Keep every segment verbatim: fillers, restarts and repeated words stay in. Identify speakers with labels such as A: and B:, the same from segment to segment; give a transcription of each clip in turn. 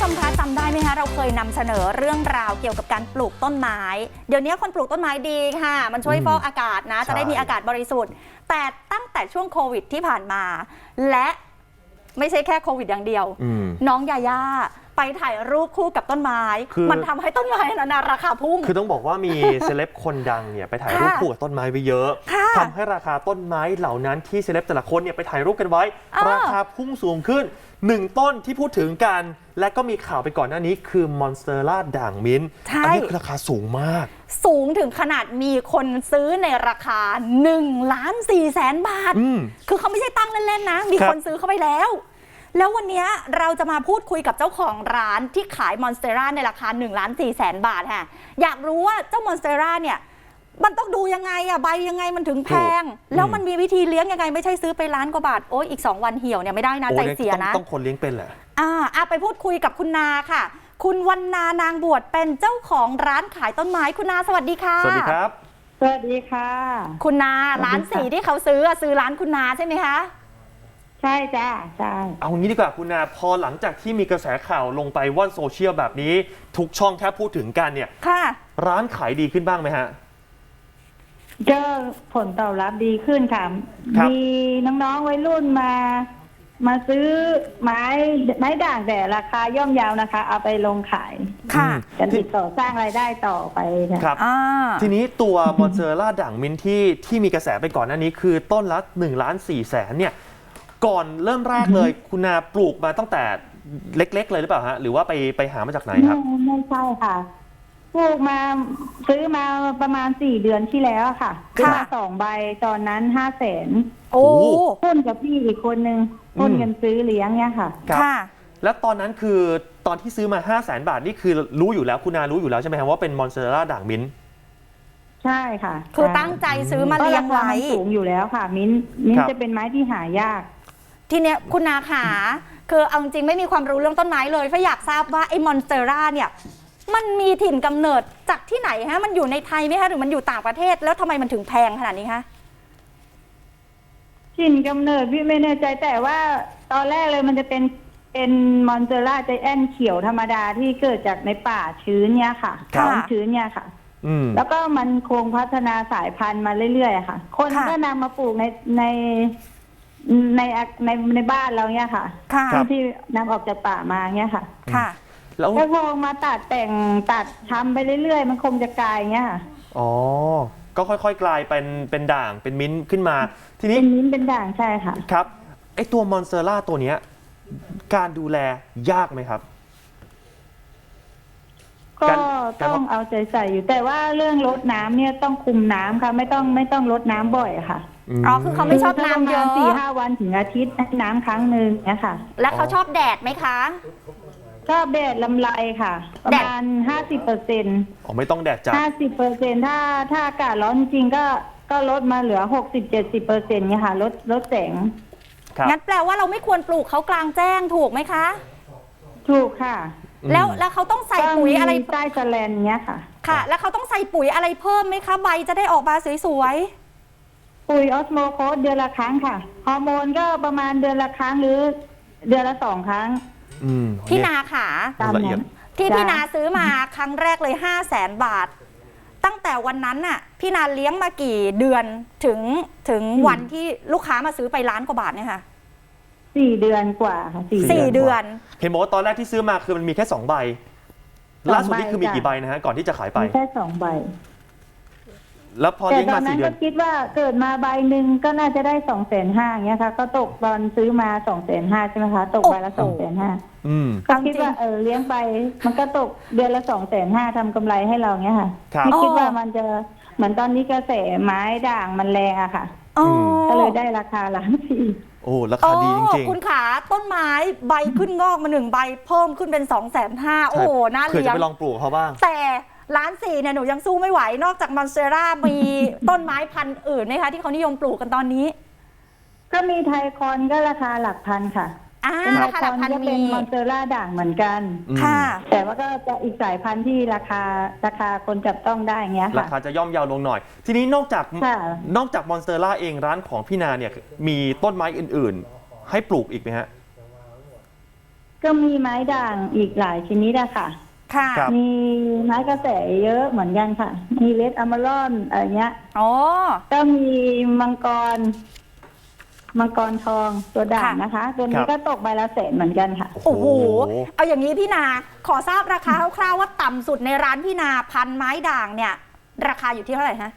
A: มคะจำได้ไหมคะเราเคยนำเสนอเรื่องราวเกี่ยวกับการปลูกต้นไม้เดี๋ยวนี้คนปลูกต้นไม้ดีค่ะมันช่วยฟอกอากาศนะจะได้มีอากาศบริสุทธิ์แต่ตั้งแต่ช่วงโควิดที่ผ่านมาและไม่ใช่แค่โควิดอย่างเดียวน้องยาย่าไปถ่ายรูปคู่กับต้นไม้มันทำให้ต้นไม้นั้นราคาพุ่ง
B: คือต้องบอกว่ามีเซเลบคนดังเนี่ยไปถ่ายรูปคู่กับต้นไม้ไว้เยอะทำให้ราคาต้นไม้เหล่านั้นที่เซเลบแต่ละคนเนี่ยไปถ่ายรูปกันไว้ราคาพุ่งสูงขึ้นหนึ่งต้นที่พูดถึงกันและก็มีข่าวไปก่อนหน้านี้คือมอนสเตอร่าด่างมิ้นท์อันนี้ราคาสูงมาก
A: สูงถึงขนาดมีคนซื้อในราคาหนึ่งล้านสี่แสนบาทคือเขาไม่ใช่ตั้งเล่นๆนะมีคนซื้อเข้าไปแล้วแล้ววันนี้เราจะมาพูดคุยกับเจ้าของร้านที่ขายมอนสเตอร่าในราคาหนึ่งล้านสี่แสนบาทค่ะอยากรู้ว่าเจ้ามอนสเตอร่าเนี่ยมันต้องดูยังไงอะใบยังไงมันถึงแพงแล้วมันมีวิธีเลี้ยงยังไงไม่ใช่ซื้อไปล้านกว่าบาทโอ้ยอีกสองวันเหี่ยวเนี่ยไม่ได้นะใจเสียนะ
B: ต้องคนเลี้ยงเป็นแหละ
A: อ่าไปพูดคุยกับคุณนาค่ะคุณวรรณานางบวชเป็นเจ้าของร้านขายต้นไม้คุณนาสวัสดีค่ะ
B: สวัสดีครับ
C: สวัสดีค่ะ
A: คุณนาร้านสีที่เขาซื้อซื้อร้านคุณนาใช่ไหมคะ
C: ใช่จ้าใช่
B: เอางี้ดีกว่าคุณนาพอหลังจากที่มีกระแสข่าวลงไปว่อนโซเชียลแบบนี้ทุกช่องแค่พูดถึงกันเนี่ย
A: ค่ะ
B: ร้านขายดีขึ้นบ้างไหมฮะ
C: ก็ผลตอบรับดีขึ้นค่ะมีน้องๆวัยรุ่นมามาซื้อไม้ไม้ด่างแต่ราคาย่อมเยาวนะคะเอาไปลงขาย
A: ค่ะ
C: กันติดต่อสร้างรายได้ต่อไป
B: ครับทีนี้ตัวมอนสเตอร่าด่างมิ้นท์ที่ที่มีกระแสไปก่อนหน้านี้คือต้นละหนึ่งล้านสี่แสนเนี่ยก่อนเริ่มแรกเลยคุณนาปลูกมาตั้งแต่เล็กๆเลยหรือเปล่าฮะหรือว่าไปไปหามาจากไหนครับ
C: ไม่ใช่ค่ะปลูกมาซื้อมาประมาณสี่เดือนที่แล้วค่ะซื้อมาสองใบตอนนั้นห้าแสน
A: โอ้
C: หุ้นกับพี่อีกคนนึงหุ้นเงินซื้อเลี้ยงเนี่ยค่ะ
A: ค่ะ
B: แล้วตอนนั้นคือตอนที่ซื้อมาห้าแสนบาทนี่คือรู้อยู่แล้วคุณนารู้อยู่แล้วใช่ไหมครับว่าเป็นมอนสเตอร่าด่างมิ้นท์
C: ใช่ค่ะ
A: คือตั้งใจซื้อมาเลี้ยงไว้
C: สูงอยู่แล้วค่ะมิ้นมิ้นจะเป็นไม้ที่หายาก
A: ทีเนี้ยคุณนาขาคือเอาจริงไม่มีความรู้เรื่องต้นไม้เลยเพราะอยากทราบว่าไอ้มอนสเตอร่าเนี่ยมันมีถิ่นกำเนิดจากที่ไหนฮะมันอยู่ในไทยไหมคะหรือมันอยู่ต่างประเทศแล้วทำไมมันถึงแพงขนาดนี้คะ
C: ถิ่นกำเนิดพี่ไม่แน่ใจแต่ว่าตอนแรกเลยมันจะเป็นเป็นมอนสเตอร่าใจแอนเขียวธรรมดาที่เกิดจากในป่าชื้นเนี่ยค่ะความชื้นเนี่ยค่ะแล้วก็มันคงพัฒนาสายพันธุ์มาเรื่อยๆค่ะคนก็นำมาปลูกในในในในในบ้านเราเนี่ยค่ะที่นำออกจากป่ามาเนี่ยค่ะ
A: ค่ะ
B: แล้ว
C: พอมาตัดแต่งตัดทำไปเรื่อยๆมันคงจะกลายเงี้ยค่ะ
B: อ๋อก็ค่อยๆกลายเป็นเป็นด่างเป็นมิ้นท์ขึ้นมาทีนี้
C: เป็นมิ้นท์เป็นด่างใช่ค่ะ
B: ครับไอตัวมอนสเตอร่าตัวเนี้ยการดูแลยากไหมครับ
C: ก็ต้องเอาใจใส่อยู่แต่ว่าเรื่องรดน้ำเนี่ยต้องคุมน้ำค่ะไม่ต้องไม่ต้องรดน้ำบ่อยค่ะ
A: อ๋อคือเขาไม่ชอบน้ำเยอะ
C: สี่ห้าวันถึงอาทิตย์น้ำครั้งหนึ่งเนี่ยค่ะ
A: แล้วเขาชอบแดดไหมคะ
C: ชอบแดดลำไรค่ะประมาณห้าสิบเปอร์เซ็นต์
B: อ๋อไม่ต้องแดดจัด
C: ห้าสิบเปอร์เซ็นต์ถ้าถ้าอากาศร้อนจริงก็ก็ลดมาเหลือหกสิบเจ็ดสิบเปอร์เซ็นต์เนี่ยค่ะลดลดแสง
A: งั้นแปลว่าเราไม่ควรปลูกเขากลางแจ้งถูกไหมคะ
C: ถูกค่ะ
A: แล้วแล้วเขาต้องใส่ปุ๋ยอะไร
C: ใต้สแลนเนี้ยค่ะ
A: ค่ะแล้วเขาต้องใส่ปุ๋ยอะไรเพิ่มไหมคะใบจะได้ออกมาสวย
C: ๆปุ๋ยออสโมโคสเดือนละครั้งค่ะฮอร์โมนก็ประมาณเดือนละครั้งหรือเดือนละสองครั้ง
A: พี่นาขาที่พี่นาซื้อมาครั้งแรกเลยห้าแสนบาทตั้งแต่วันนั้นน่ะพี่นาเลี้ยงมากี่เดือนถึงถึงวันที่ลูกค้ามาซื้อไปล้านกว่าบาทเนี่ยค่ะ
C: สี่เดือนกว่าค่ะ
A: สี่เดือน
B: เห็นบอกว่าตอนแรกที่ซื้อมาคือมันมีแค่สองใบล่าสุดนี่คือมีกี่ใบนะฮะก่อนที่จะขายไป
C: แค่สองใบ
B: แล้วพอเลี้ยงมาสี่เดือน
C: แต่ตอนนั้นก็คิดว่าเกิดมาใบหนึ่งก็น่าจะได้สองแสนห้าอย่างเงี้ยค่ะก็ตกตอนซื้อมาสองแสนห้าใช่ไหมคะตกใบละสองแสนห้าก็คิดว่าเออเลี้ยงไปมันก็ตกเดือนละสองแสนห้าทำกำไรให้เราเงี้ยค่ะไม่คิดว่ามันจะเหมือนตอนนี้กระแสไม้ด่างมันแรงอะค่ะก็เลยได้ราคาล้านสี่
B: โอ้ราคาดีจริง
A: ๆคุณขาต้นไม้ใบขึ้นงอกมาหนึ่งใบเพิ่มขึ้นเป็นสองแสนห้าโอ้โหน่าเลี้ยง
B: เคยจะไปลองปลูกเขาบ้าง
A: แต่ล้านสี่เนี่ยหนูยังสู้ไม่ไหวนอกจากมอนสเตอร่ามีต้นไม้พันธุ์อื่นไหมคะที่เขานิยมปลูกกันตอนนี้
C: ก็มีไทคอนก็ราคาหลักพันค่ะ
A: เป็นไทคอน
C: ก็เป็นมอนสเตอร่าด่างเหมือนกัน
A: ค่ะ
C: แต่ว่าก็จะอีกสายพันธุ์ที่ราคาราคาคนจับต้องได้เงี้ยค่ะ
B: ราคาจะย่อมเยาลงหน่อยทีนี้นอกจากนอกจากมอนสเตอร่าเองร้านของพี่นาเนี่ยมีต้นไม้อื่นๆให้ปลูกอีกไหมฮะ
C: ก็มีไม้ด่างอีกหลายชนิดอะค่ะ
A: ค่ะ
B: ครับ
C: มีไม้กระแสเยอะเหมือนกันค่ะ มีเลดอะมารอนอะไรเงี้ย
A: อ๋อ
C: ก็มีมังกร มังกรทองตัวด่าง
A: ค่ะ
C: นะคะ ตัว
B: ค
C: นี้
B: รับ
C: ก็ตกใบละแสนเหมือนกันค่ะ
A: โอ้โห เอาอย่างนี้พี่นา ขอทราบราคาคร่าวๆว่าต่ำสุดในร้านพี่นาพันไม้ด่างเนี่ย ราคาอยู่ที่เท่าไหร่ฮะ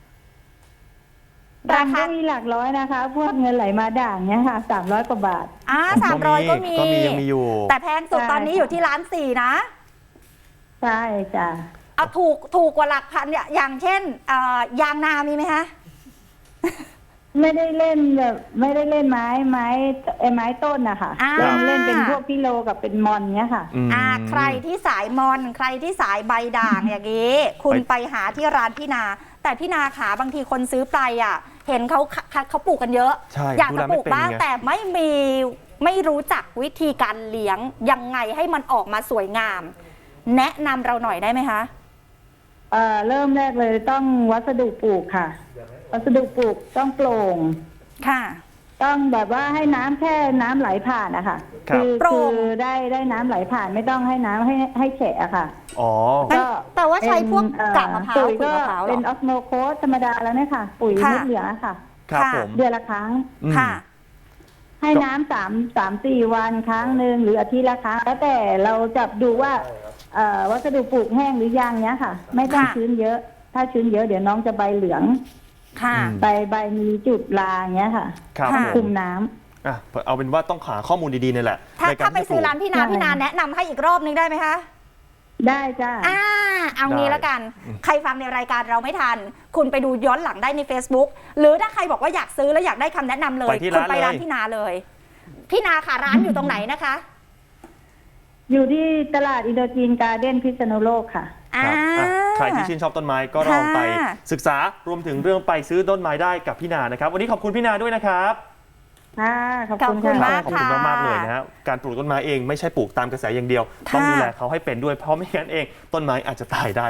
C: รา
A: รา
C: คา
A: คา
C: มีหลักร้อยนะคะ พวกเงินไหลมาด่างเนี้ยค่ะสามร้อยกว่าบาท
A: อ่าสามร้อยก็มี
B: ก็มียังมีอยู่
A: แต่แพงสุด
C: ใช่
A: ตอนนี้อยู่ที่ร้านสี่นะ
C: ใช่จ้ะ
A: เอาถูกถูกกว่าหลักพันเนี่ยอย่างเช่นเอ่อยางนามีไหมคะ
C: ไม่ได้เล่นแบบไม่ได้เล่นไม้ไม้ไอ้ไม้ต้นนะคะ
A: อ่า
C: เล่นเล่นเป็นพวกพิโลกับเป็นมอนเนี้ยค่ะ
B: อืม
A: อ่าใครที่สายมอน ใครที่สายใบด่าง อย่างนี้ คุณไปหาที่ร้านพี่นา แต่พี่นาขาบางทีคนซื้อไปอ่ะ เห็นเขาเขาเขาปลูกกันเยอะ
B: ใช่
A: อยาก
B: ดู
A: จะ
B: แล
A: ป
B: ไม่
A: ลูก
B: เป็น
A: บ้าง
B: ไง
A: แต่ไม่มีไม่รู้จักวิธีการเลี้ยงยังไงให้มันออกมาสวยงาม แนะนำเราหน่อยได้ไหมคะ
C: เอ่อเริ่มแรกเลยต้องวัสดุปลูกค่ะ วัสดุปลูกต้องโปร่ง
A: ค่ะ
C: ต้องแบบว่าให้น้ำแค่น้ำไหลผ่านนะคะ
B: ครับ
A: โปร่
C: คื
A: ง
C: อได้ได้น้ำไหลผ่านไม่ต้องให้น้ำให้ให้แฉะอะค่ะ
B: อ๋อ
A: งั้นแปลว่าใช้พวก
C: เป็น
A: กากมะพร้าว
C: ปุ๋ย
A: ขุย
C: ก็
A: มะพร้าวเหร
C: เป็
A: อน
C: ออสโมโคสธรรมดาแล้วเนี่ยค่ะ ปุ๋ย
A: ค่ะ
C: เม็ดเหลืองอะค่ะ
B: ครับ
A: ค่ะ
B: ผม
C: เดือนละครั้ง
B: อืม
A: ค่ะ
C: ให้น้ำสามสามสี่วันครั้งหนึ่งหรืออาทิตย์ละครั้งแล้วแต่เราจับดูว่าเอ่อวัสดุปลูกแห้งหรือยังเนี้ยค่ะ ไม่ต้อง
A: ค่ะ
C: ชื้นเยอะ ถ้าชื้นเยอะเดี๋ยวน้องจะใบเหลือง
A: ค่ะ
B: อืม
C: ใบใบมีจุดลาเงี้ยค่ะ
B: ครับ
A: ค่ะ
B: ผ
C: คุ
B: ม
C: มน้ำ
B: อ่ะเอาเป็นว่าต้องหาข้อมูลดีๆนี่แหละ
A: ถ้า
B: ในก
A: ถ้าไป
B: ที่จะ
A: ซื้อ
B: ปลูก
A: ร้านพี่นา
C: ใช่
A: พี่นาแนะนำให้อีกรอบนึงได้ไหมคะ
C: ได้จ้า
A: อ่า เอางี้
B: ได้
A: แล้วกัน ใครฟังในรายการเราไม่ทัน คุณไปดูย้อนหลังได้ใน Facebook หรือถ้าใครบอกว่าอยากซื้อแล้วอยากได้คำแนะนำเลย
B: ไปที่
A: คุณ
B: ร้าน
A: ไปร้าน
B: เลย
A: พี่นาเลย พี่นาค่ะร้านอยู่ตรงไหนนะคะ
C: อยู่ที่ตลาดอินโดจีนการ์เด้นพิษณุโลกค่ะ
B: ครับอ่ะใครที่ชื่นชอบต้นไม้ก็ลองไป
A: ค่ะ
B: ศึกษารวมถึงเรื่องไปซื้อต้นไม้ได้กับพี่นานะครับ วันนี้ขอบคุณพี่นาด้วยนะครับ
C: ค่ะ ขอบ
A: ขอบ
C: คุณ
A: คุณ
C: ค่ะ
A: มาก
B: ขอบคุณมากๆเลยนะฮะการปลูกต้นไม้เองไม่ใช่ปลูกตามกระแสอย่างเดียว
A: ค่ะ
B: ต้องดูแลเขาให้เป็นด้วยเพราะไม่งั้นเองต้นไม้อาจจะตายได้